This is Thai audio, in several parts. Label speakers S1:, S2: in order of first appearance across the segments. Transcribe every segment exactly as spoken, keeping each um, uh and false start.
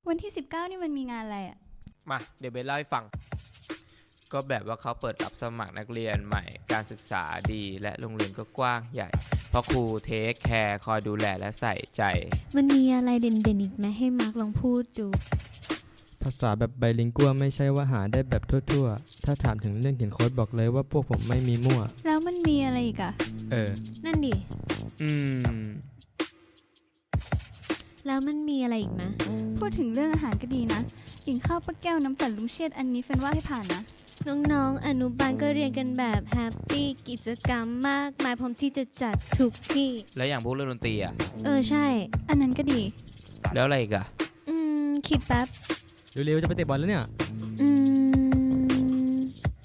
S1: วันที่สิบเก้านี่มันมีงานอะไรอ่ะ
S2: มาเดี๋ยวเบสเล่าให้ฟังก็แบบว่าเขาเปิดรับสมัครนักเรียนใหม่การศึกษาดีและโรงเรียนก็กว้างใหญ่เพราะครูเทคแคร์คอยดูแลและใส่ใจ
S1: มันมีอะไรเด่นๆอีกไหมให้มาร์กลองพูดดู
S3: ภาษาแบบไบลิงกัวไม่ใช่ว่าหาได้แบบทั่วๆถ้าถามถึงเรื่องเขียนโค้ดบอกเลยว่าพวกผมไม่มีมั่ว
S1: แล้วมันมีอะไรอีกอะ
S3: เออ
S1: นั่นดิ
S2: อืม
S1: แล้วมันมีอะไรอีกไหมพูดถึงเรื่องอาหารก็ดีนะกินข้าวปลาแก้วน้ำปั่นลุงเชษอันนี้เฟนว่าให้ผ่านนะน้องๆอนุบาลก็เรียนกันแบบแฮปปี้กิจกรรมมากมายพร้อมที่จะจัดทุกที่
S2: แล้วอย่างพวกเรื่องดนตรีอ่ะ
S1: เออใช่อันนั้นก็ดี
S2: แล้วอะไรอีกอ่ะ
S1: อืมคิดแป๊บ
S3: เร็วๆจะไปเตะบอลแล้วเนี่ย
S1: อืม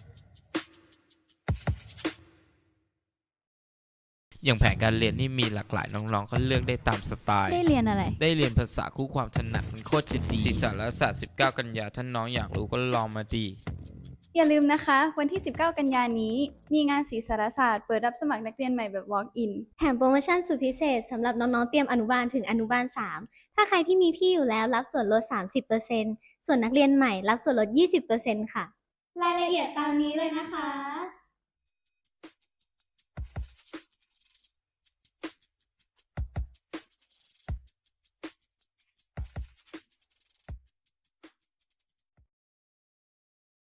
S2: อย่างแผนการเรียนนี่มีหลากหลายน้องๆก็เลือกได้ตามสไตล์
S1: ได้เรียนอะไร
S2: ได้เรียนภาษาคู่ความถนัดมันโคตรจะดีศิลปศาสตร์และศาสตร์สิบเก้ากันยาท่านน้องอยากรู้ก็ลองมาดี
S1: อย่าลืมนะคะวันที่สิบเก้ากันยายนนี้มีงานศิลปศาสตร์เปิดรับสมัครนักเรียนใหม่แบบ walk in
S4: แถมโปรโมชั่นสุดพิเศษสำหรับน้องๆเตรียมอนุบาลถึงอนุบาลสามถ้าใครที่มีพี่อยู่แล้วรับส่วนลด สามสิบเปอร์เซ็นต์ ส่วนนักเรียนใหม่รับส่วนลด ยี่สิบเปอร์เซ็นต์ ค่ะรายละเอียดตามนี้เลยนะคะ